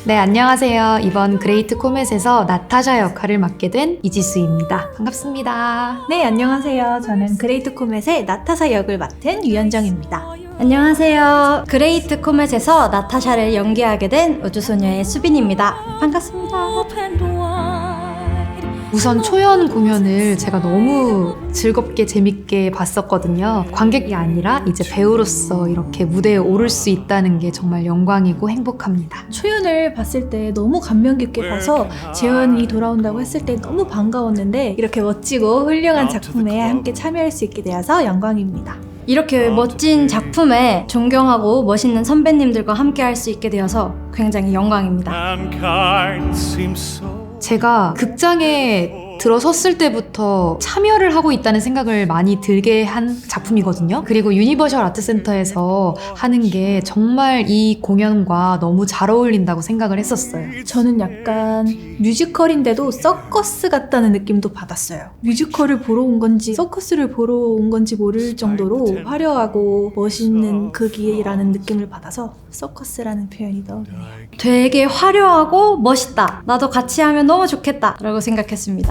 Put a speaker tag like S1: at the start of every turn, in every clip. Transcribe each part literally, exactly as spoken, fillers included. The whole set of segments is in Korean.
S1: 네, 안녕하세요. 이번 그레이트 코멧에서 나타샤 역할을 맡게 된 이지수입니다. 반갑습니다.
S2: 네, 안녕하세요. 저는 그레이트 코멧의 나타샤 역을 맡은 유현정입니다.
S3: 안녕하세요. 그레이트 코멧에서 나타샤를 연기하게 된 우주소녀의 수빈입니다. 반갑습니다.
S1: 우선 초연 공연을 제가 너무 즐겁게 재밌게 봤었거든요. 관객이 아니라 이제 배우로서 이렇게 무대에 오를 수 있다는 게 정말 영광이고 행복합니다.
S2: 초연을 봤을 때 너무 감명 깊게 봐서 재현이 돌아온다고 했을 때 너무 반가웠는데 이렇게 멋지고 훌륭한 작품에 함께 참여할 수 있게 되어서 영광입니다.
S3: 이렇게 멋진 작품에 존경하고 멋있는 선배님들과 함께 할 수 있게 되어서 굉장히 영광입니다.
S1: 제가 극장에 들어섰을 때부터 참여를 하고 있다는 생각을 많이 들게 한 작품이거든요. 그리고 유니버셜 아트센터에서 하는 게 정말 이 공연과 너무 잘 어울린다고 생각을 했었어요.
S2: 저는 약간 뮤지컬인데도 서커스 같다는 느낌도 받았어요. 뮤지컬을 보러 온 건지 서커스를 보러 온 건지 모를 정도로 화려하고 멋있는 극이라는 느낌을 받아서 서커스라는 표현이 떠오르네요.
S3: 되게 화려하고 멋있다. 나도 같이 하면 너무 좋겠다. 라고 생각했습니다.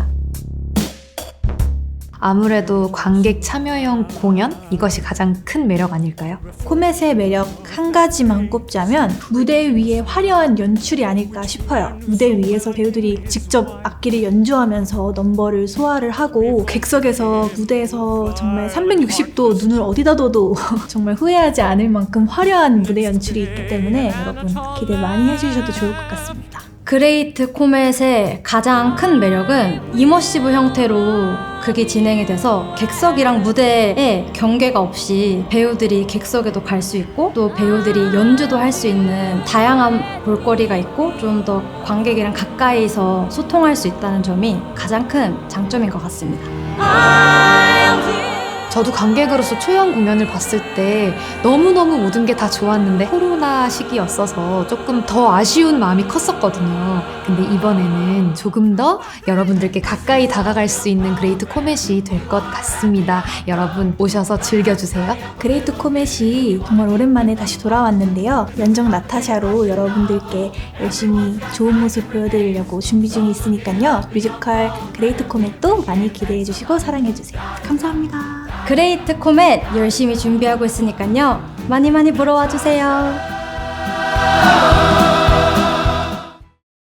S1: 아무래도 관객 참여형 공연? 이것이 가장 큰 매력 아닐까요?
S2: 코멧의 매력 한 가지만 꼽자면 무대 위에 화려한 연출이 아닐까 싶어요. 무대 위에서 배우들이 직접 악기를 연주하면서 넘버를 소화를 하고 객석에서 무대에서 정말 삼백육십 도 눈을 어디다 둬도 정말 후회하지 않을 만큼 화려한 무대 연출이 있기 때문에 여러분 기대 많이 해주셔도 좋을 것 같습니다.
S3: 그레이트 코멧의 가장 큰 매력은 이머시브 형태로 극이 진행이 돼서 객석이랑 무대에 경계가 없이 배우들이 객석에도 갈 수 있고 또 배우들이 연주도 할 수 있는 다양한 볼거리가 있고 좀 더 관객이랑 가까이서 소통할 수 있다는 점이 가장 큰 장점인 것 같습니다.
S1: 저도 관객으로서 초연 공연을 봤을 때 너무너무 모든 게 다 좋았는데 코로나 시기였어서 조금 더 아쉬운 마음이 컸었거든요. 근데 이번에는 조금 더 여러분들께 가까이 다가갈 수 있는 그레이트 코멧이 될 것 같습니다. 여러분 오셔서 즐겨주세요.
S2: 그레이트 코멧이 정말 오랜만에 다시 돌아왔는데요. 연정 나타샤로 여러분들께 열심히 좋은 모습 보여드리려고 준비 중에 있으니까요. 뮤지컬 그레이트 코멧도 많이 기대해주시고 사랑해주세요. 감사합니다.
S3: 그레이트 코멧 열심히 준비하고 있으니까요. 많이 많이 보러 와주세요.